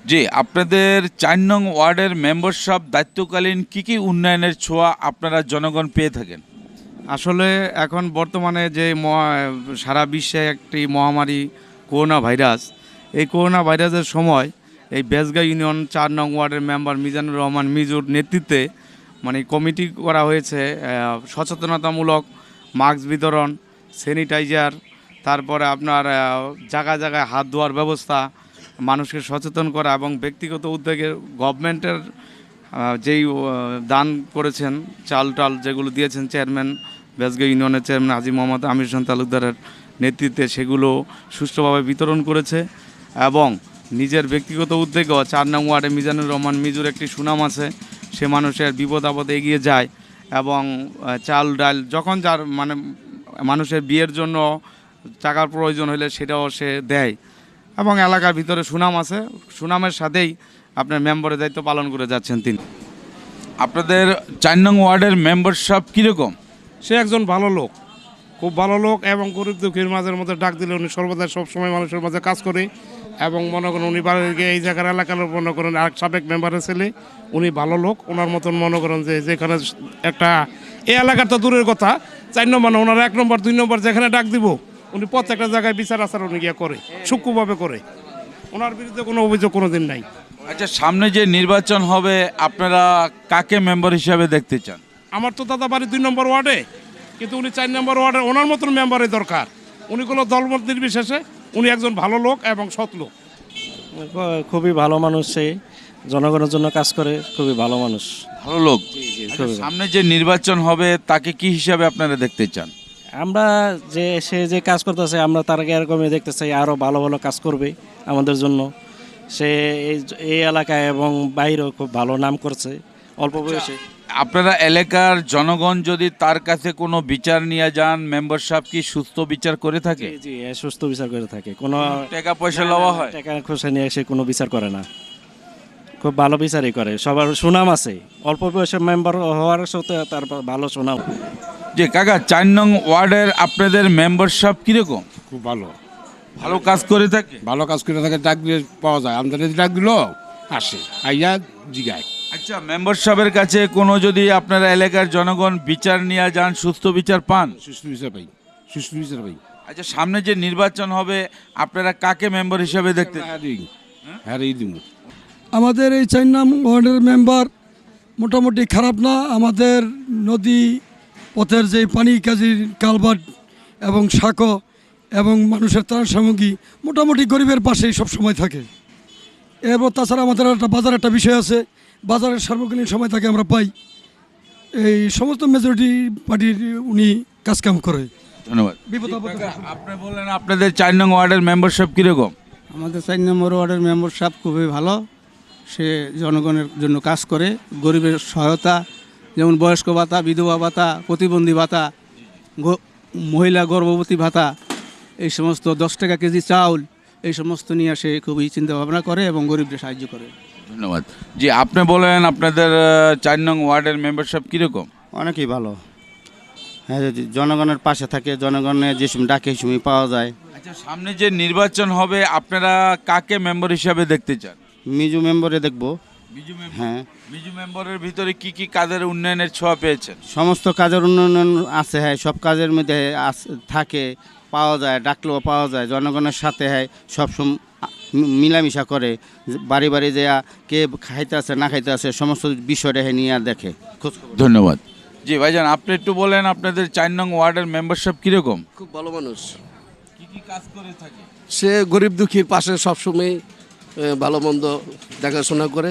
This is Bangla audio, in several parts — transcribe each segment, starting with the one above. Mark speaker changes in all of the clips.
Speaker 1: জি, আপনাদের ৪ নং ওয়ার্ডের মেম্বারশিপ দায়িত্বকালীন কি উন্নয়নের ছোঁয়া আপনারা জনগণ পেয়ে থাকেন?
Speaker 2: আসলে এখন বর্তমানে যে সারা বিশ্বে একটি মহামারী করোনা ভাইরাস, এই করোনা ভাইরাসের সময় এই বেজগাঁ ইউনিয়ন ৪ নং ওয়ার্ডের মেম্বার মিজানুর রহমান মিজুর নেতৃত্বে মানে কমিটি করা হয়েছে সচেতনতামূলক মাস্ক বিতরণ, স্যানিটাইজার, তারপরে আপনার জায়গায় জায়গায় হাত ধোয়ার ব্যবস্থা, মানুষকে সচেতন করা এবং ব্যক্তিগত উদ্যোগে গভর্নমেন্টের যেই দান করেছেন চাল টাল যেগুলো দিয়েছেন চেয়ারম্যান বেজগাঁ ইউনিয়নের চেয়ারম্যান হাজী মোহাম্মদ আমির হোসেন তালুকদারের নেতৃত্বে সেগুলো সুষ্ঠুভাবে বিতরণ করেছে। এবং নিজের ব্যক্তিগত উদ্যোগেও ৪ নং ওয়ার্ডে মিজানুর রহমান মিজুর একটি সুনাম আছে, সে মানুষের বিপদ আপদে এগিয়ে যায় এবং চাল ডাল যখন যার মানে মানুষের বিয়ের জন্য টাকার প্রয়োজন হলে সেটাও সে দেয় এবং এলাকার ভিতরে সুনাম আছে, সুনামের সাথেই আপনার মেম্বারের দায়িত্ব পালন করে যাচ্ছেন তিনি।
Speaker 1: আপনাদের ৪ নং ওয়ার্ডের মেম্বারশিপ কীরকম?
Speaker 3: সে একজন ভালো লোক, খুব ভালো লোক এবং গরিব দুঃখীর মাঝের মধ্যে ডাক দিলে উনি সর্বদা সবসময় মানুষের মাঝে কাজ করে এবং মনে করেন উনি এই জায়গার এলাকার মনে করেন আর সাবেক মেম্বারের ছেলে, উনি ভালো লোক। ওনার মতন মনে করেন যে যেখানে একটা এই এলাকার তো দূরের কথা, ৪ নম্বর না ওনার ১ নম্বর ২ নম্বর যেখানে ডাক দিব উনি প্রত্যেকটা জায়গায় বিচার আচার উনি গিয়ে করে, সূক্ষ্মভাবে করে। ওনার বিরুদ্ধে কোনো অভিযোগ কোনো দিন নাই।
Speaker 1: আচ্ছা, সামনে যে নির্বাচন হবে আপনারা কাকে মেম্বার হিসাবে দেখতে চান?
Speaker 3: আমার তো দাদা বাড়ি ২ নম্বর ওয়ার্ডে, কিন্তু উনি ৪ নম্বর ওয়ার্ডে ওনার মতন মেম্বারের দরকার। উনি কোনো দলমত নির্বিশেষে উনি একজন ভালো লোক এবং সৎ লোক।
Speaker 4: খুবই ভালো মানুষ, সে জনগণের জন্য কাজ করে, খুবই ভালো মানুষ।
Speaker 1: ভালো লোক। আচ্ছা, সামনে যে নির্বাচন হবে তাকে কি হিসাবে আপনারা দেখতে চান?
Speaker 4: আমরা সে যে কাজ করতেছে আমরা তার এরকমই দেখতে চাই, আরও ভালো ভালো কাজ করবে আমাদের জন্য। সে এই এলাকায় এবং বাইরেও খুব ভালো নাম করছে অল্প বয়সে।
Speaker 1: আপনারা এলাকার জনগণ যদি তার কাছে কোনো বিচার নিয়ে যান, মেম্বারশিপ কি সুস্থ বিচার করে থাকে?
Speaker 4: জি, সুস্থ বিচার করে থাকে, কোনো
Speaker 1: টাকা পয়সা লওয়া হয়?
Speaker 4: টাকা খোঁজা নিয়ে সে কোনো বিচার করে না, খুব ভালো বিচারই করে। সবার সুনাম আছে, অল্প বয়সে মেম্বার হওয়ার সাথে তার ভালো সুনাম।
Speaker 1: যে কাকা, ৪ নং ওয়ার্ডের আপনাদের মেম্বারশিপ কিরকম?
Speaker 5: খুব ভালো,
Speaker 1: ভালো কাজ করে থাকে?
Speaker 5: ভালো কাজ করে থাকে, ডাক দিলে পাওয়া যায়, আমাদের ডাক দিল আসে, আইয়া জিগায়।
Speaker 1: আচ্ছা, মেম্বারশিপের কাছে কোনো যদি আপনারা এলাকার জনগণ বিচার নিয়ে যান, সুস্থ বিচার পান?
Speaker 5: সুষ্ঠু বিচার পাই, সুষ্ঠু বিচার পাই।
Speaker 1: আচ্ছা, সামনে যে নির্বাচন হবে আপনারা কাকে মেম্বার হিসাবে দেখতে?
Speaker 5: হ্যাঁ দিব।
Speaker 6: আমাদের এই ৪ নং ওয়ার্ডের মেম্বার মোটামুটি খারাপ না। আমাদের নদী পথের যে পানি কাজির কালভার্ট এবং সাঁকো এবং মানুষের ত্রাণ সামগ্রী মোটামুটি গরিবের পাশেই সব সময় থাকে। এরপর তাছাড়া আমাদের একটা বাজার একটা বিষয় আছে, বাজারের সার্বজনীন সময় তাকে আমরা পাই। এই সমস্ত মেজরিটি পার্টির উনি কাজকাম করে।
Speaker 1: ধন্যবাদ। আপনি বললেন আপনাদের ৪ নং ওয়ার্ডের মেম্বারশিপ কীরকম?
Speaker 7: আমাদের ৪ নম্বর ওয়ার্ডের মেম্বারশিপ খুবই ভালো। সে জনগণের জন্য কাজ করে, গরিবের সহায়তা, যেমন বয়স্ক ভাতা, বিধবা ভাতা, প্রতিবন্ধী ভাতা, মহিলা গর্ভবতী ভাতা, এই সমস্ত ১০ টাকা কেজি চাউল, এই সমস্ত নিয়ে সে খুবই চিন্তা ভাবনা করে এবং গরিবদের সাহায্য করে।
Speaker 1: ধন্যবাদ। জি, আপনি বলেন আপনাদের ৪ নং ওয়ার্ডের মেম্বারশিপ কীরকম?
Speaker 7: অনেকই ভালো। হ্যাঁ, জনগণের পাশে থাকে, জনগণের যে সময় ডাকে সময় পাওয়া যায়।
Speaker 1: আচ্ছা, সামনে যে নির্বাচন হবে আপনারা কাকে মেম্বার হিসাবে দেখতে চান?
Speaker 7: মিজু মেম্বারে দেখবো।
Speaker 1: বিজু মেম্বার?
Speaker 7: হ্যাঁ।
Speaker 1: বিজু মেম্বারের ভিতরে কি কাজের উন্নয়নের ছোঁয়া পেয়েছেন?
Speaker 7: সমস্ত কাজের উন্নয়ন আছে, হ্যাঁ, সব কাজের মধ্যে থাকে, পাওয়া যায়, ডাকলেও পাওয়া যায়, জনগণের সাথে হ্যাঁ সবসময় মিলামিশা করে, বাড়ি বাড়ি যে কে খাইতে আছে না খাইতে আছে সমস্ত বিষয়টা নিয়ে দেখে।
Speaker 1: ধন্যবাদ। জি ভাইজান, আপনি একটু বলেন আপনাদের ৪ নং ওয়ার্ডের মেম্বারশিপ কীরকম?
Speaker 8: খুব ভালো মানুষ।
Speaker 1: কি কাজ করে থাকে?
Speaker 8: সে গরিব দুঃখীর পাশে সবসময় ভালো মন্দ দেখাশোনা করে,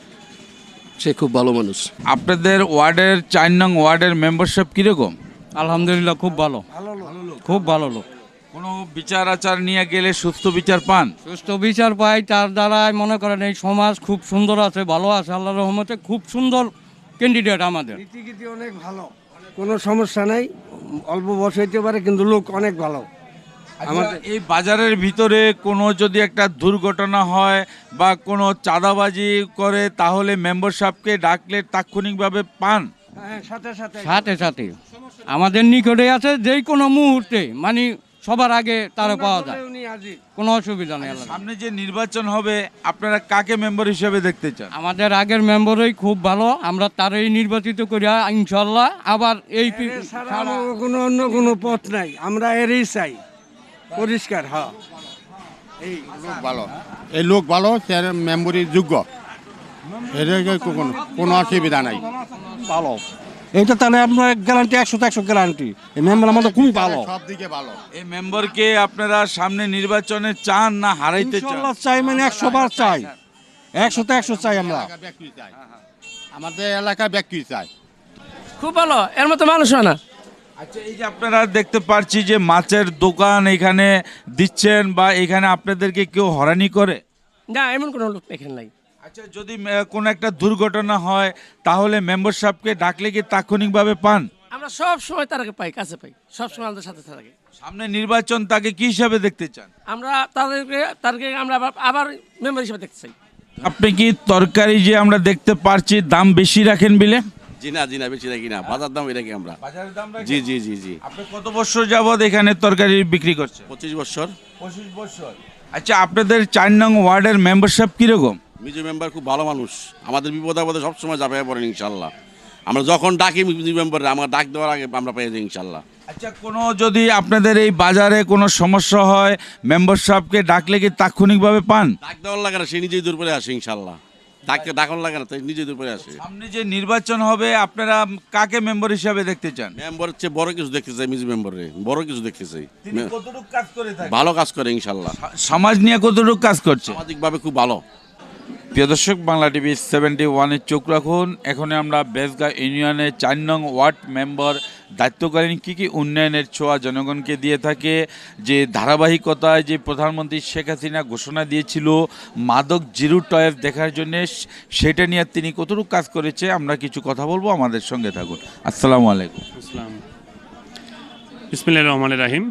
Speaker 8: সে খুব ভালো মানুষ।
Speaker 1: আপনাদের ওয়ার্ডের ৪ নং ওয়ার্ডের মেম্বারশিপ কীরকম?
Speaker 2: আলহামদুলিল্লাহ খুব ভালো, খুব ভালো লোক।
Speaker 1: কোনো বিচার আচার নিয়ে গেলে সুস্থ বিচার পান?
Speaker 2: সুস্থ বিচার পাই, তার দ্বারাই মনে করেন এই সমাজ খুব সুন্দর আছে, ভালো আছে, আল্লাহর রহমতে খুব সুন্দর ক্যান্ডিডেট আমাদের।
Speaker 9: নীতিগীতি অনেক ভালো, কোনো সমস্যা নাই, অল্প বয়স হইতে পারে কিন্তু লোক অনেক ভালো।
Speaker 1: আমাদের এই বাজারের ভিতরে কোনো যদি একটা দুর্ঘটনা হয় বা কোনো চাঁদাবাজি করে তাহলে মেম্বারশিপকে ডাকলে তাৎক্ষণিকভাবে পান?
Speaker 9: সাথে
Speaker 2: সাথে সাথে আমাদের নিকটে আছে, যেই কোনো মুহূর্তে মানে সবার আগে তারা পাওয়া যায়।
Speaker 9: উনি হাজির।
Speaker 10: কোনো অসুবিধা নেই।
Speaker 1: সামনে যে নির্বাচন হবে আপনারা কাকে মেম্বার হিসেবে দেখতে চান?
Speaker 10: আমাদের আগের মেম্বারই খুব ভালো, আমরা তারই নির্বাচিত করি ইনশাল্লাহ। আবার এই
Speaker 9: ছাড়া আমাদের কোনো অন্য কোনো পথ নাই, আমরা এরই চাই পরিষ্কার। হ্যাঁ,
Speaker 5: এই লোক ভালো, এই লোক ভালো, সে মেম্বরের যোগ্য, এর কোনো অসুবিধা নাই।
Speaker 9: ভালো এইটা তাহলে আপনার গ্যারান্টি 100 গ্যারান্টি। এই মেম্বার আমাদের খুবই ভালো,
Speaker 5: সব দিকে ভালো।
Speaker 1: এই মেম্বারকে আপনারা সামনে নির্বাচনে চান না হারাইতে চান?
Speaker 9: ইনশাআল্লাহ চাই, মানে 100 বার চাই, 100 চাই আমরা।
Speaker 5: আমাদের এলাকা ব্যক্তি চাই।
Speaker 8: খুব ভালো, এর মতো মানুষ হয় না।
Speaker 1: আচ্ছা, এই যে আপনারা দেখতে পাচ্ছি যে মাছের দোকান এখানে দিচ্ছেন, বা এখানে আপনাদেরকে কেউ হয়রানি করে?
Speaker 8: না, এমন কোনো লোক এখানে নাই।
Speaker 1: আচ্ছা, যদি কোনো একটা দুর্ঘটনা হয় তাহলে মেম্বার সাহেবকে ডাকলে কি তাৎক্ষণিকভাবে পান?
Speaker 8: আমরা সব সময় তারাকে পাই, কাছে পাই, সব সময় আমাদের সাথে থাকে।
Speaker 1: সামনে নির্বাচন, তাকে কি হিসাবে দেখতে চান?
Speaker 8: আমরা তাদেরকে আমরা আবার মেম্বার হিসেবে দেখতে চাই।
Speaker 1: আপনি কি তরকারি যে আমরা দেখতে পারছি দাম বেশি রাখেন বিলে?
Speaker 11: জি না বেশি রাখি না, বাজার দাম রাখি আমরা।
Speaker 1: বাজারের দাম রাখেন?
Speaker 11: জি জি জি জি।
Speaker 1: আপনি কত বছর যাবত এখানে তরকারি বিক্রি করছেন?
Speaker 11: 25 বছর।
Speaker 1: 25 বছর। আচ্ছা, আপনাদের 4 নং ওয়ার্ডের মেম্বারশিপ কিরকম?
Speaker 11: মিজু মেম্বার খুব ভালো মানুষ, আমাদের বিপদ আপদে সবসময় যাবে পড়েন ইনশাল্লাহ। আমরা যখন ডাকি মিজু মেম্বারে, আমার ডাক দেওয়ার আগে আমরা পেয়ে যাই ইনশাল্লাহ।
Speaker 1: আচ্ছা, কোনো যদি আপনাদের এই বাজারে কোনো সমস্যা হয় মেম্বার সাহেবকে ডাকলে কি তাৎক্ষণিকভাবে পান?
Speaker 11: ডাক দেওয়ার লাগে না, সে নিজেই দূর করে আসে ইনশাল্লাহ। ডাকন লাগে না, তাই নিজেই দূর করে আসে।
Speaker 1: সামনে যে নির্বাচন হবে আপনারা কাকে মেম্বার হিসাবে দেখতে চান?
Speaker 11: মেম্বার হচ্ছে বড় কিছু দেখতে চাই, মিজু মেম্বারে বড় কিছু দেখতে চাই।
Speaker 1: তিনি কতটুকু কাজ করে থাকেন?
Speaker 11: ভালো কাজ করে ইনশাল্লাহ।
Speaker 1: সমাজ নিয়ে কতটুকু কাজ করছে?
Speaker 11: সামাজিকভাবে খুব ভালো।
Speaker 1: প্রিয় দর্শক, বাংলা টিভি 71-এ চোখ রাখুন। এখন আমরা বেজগাঁ ইউনিয়নের 4 নং ওয়ার্ড মেম্বার দায়িত্বকালীন কী কী উন্নয়নের ছোঁয়া জনগণকে দিয়ে থাকে, যে ধারাবাহিকতায় যে প্রধানমন্ত্রী শেখ হাসিনা ঘোষণা দিয়েছিল মাদক জিরো টয়েস দেখার জন্য, সেটা নিয়ে তিনি কতটুকু কাজ করেছে আমরা কিছু কথা বলবো, আমাদের সঙ্গে থাকুন। আসসালামু আলাইকুম।
Speaker 12: বিসমিল্লাহির রহমানির রহিম।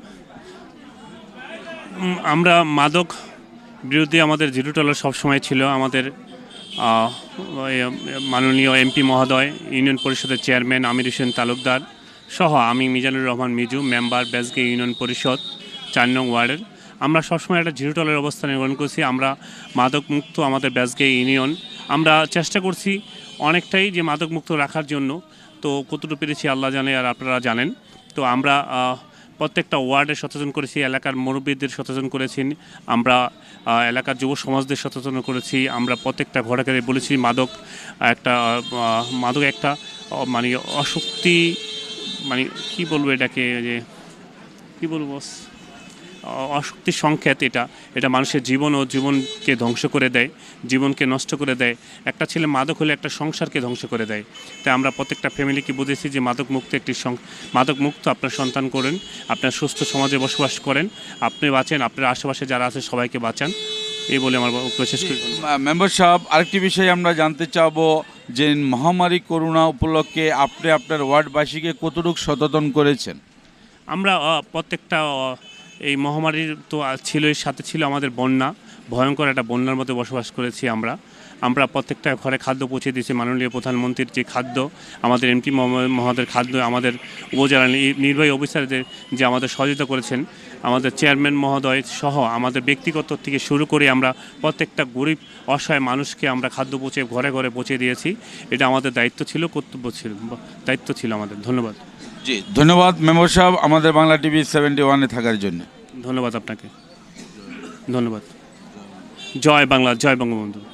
Speaker 12: আমরা মাদক বিরোধী আমাদের জিরো টলারেন্স সবসময় ছিল। আমাদের মাননীয় এমপি মহোদয়, ইউনিয়ন পরিষদের চেয়ারম্যান আমির হোসেন তালুকদার সহ আমি মিজানুর রহমান মিজু, মেম্বার বেজগাঁ ইউনিয়ন পরিষদ 4 নং ওয়ার্ডের, আমরা সবসময় একটা জিরো টলারেন্স অবস্থান গ্রহণ করছি। আমরা মাদক মুক্ত আমাদের বেজগাঁ ইউনিয়ন, আমরা চেষ্টা করছি অনেকটাই যে মাদক মুক্ত রাখার জন্য। তো কতটুকু পেরেছি আল্লাহ জানে আর আপনারা জানেন। তো আমরা প্রত্যেকটা ওয়ার্ডে সচেতন করেছি, এলাকার মুরব্বীদের সচেতন করেছি, আমরা এলাকার যুব সমাজদের সচেতন করেছি। আমরা প্রত্যেকটা ঘরে ঘরে বলেছি মাদক একটা মানে অশক্তি, মানে কী বলবো এটাকে, যে কী বলবো, অশক্তির সংকেত। এটা মানুষের জীবন ও জীবনকে ধ্বংস করে দেয়, জীবনকে নষ্ট করে দেয়। একটা ছেলে মাদক হলে একটা সংসারকে ধ্বংস করে দেয়। তাই আমরা প্রত্যেকটা ফ্যামিলিকে বুঝেছি যে মাদক মুক্ত আপনার সন্তান করেন, আপনার সুস্থ সমাজে বসবাস করেন, আপনি বাঁচেন, আপনার আশেপাশে যারা আছে সবাইকে বাঁচান, এই বলে আমার শেষ করি।
Speaker 1: মেম্বার সাহেব, আরেকটি বিষয় আমরা জানতে চাবো যে মহামারী করোনা উপলক্ষে আপনি আপনার ওয়ার্ডবাসীকে কতটুকু সচেতন করেছেন?
Speaker 12: আমরা প্রত্যেকটা এই মহামারীর তো ছিলই, সাথে ছিল আমাদের বন্যা, ভয়ঙ্কর একটা বন্যার মধ্যে বসবাস করেছি আমরা প্রত্যেকটা ঘরে খাদ্য পৌঁছে দিয়েছি। মাননীয় প্রধানমন্ত্রীর যে খাদ্য, আমাদের এমপি মহোদয়ের খাদ্য, আমাদের উপজেলা নির্বাহী অফিসারদের যে আমাদের সহযোগিতা করেছেন, আমাদের চেয়ারম্যান মহোদয় সহ আমাদের ব্যক্তিগত থেকে শুরু করে আমরা প্রত্যেকটা গরিব অসহায় মানুষকে আমরা খাদ্য পৌঁছে ঘরে ঘরে পৌঁছে দিয়েছি। এটা আমাদের দায়িত্ব ছিল, কর্তব্য ছিল আমাদের। ধন্যবাদ।
Speaker 1: জি, ধন্যবাদ মেম্বার সাহেব আমাদের বাংলা টিভি 71-এ থাকার জন্য।
Speaker 12: ধন্যবাদ আপনাকে, ধন্যবাদ। জয় বাংলা, জয় বঙ্গবন্ধু।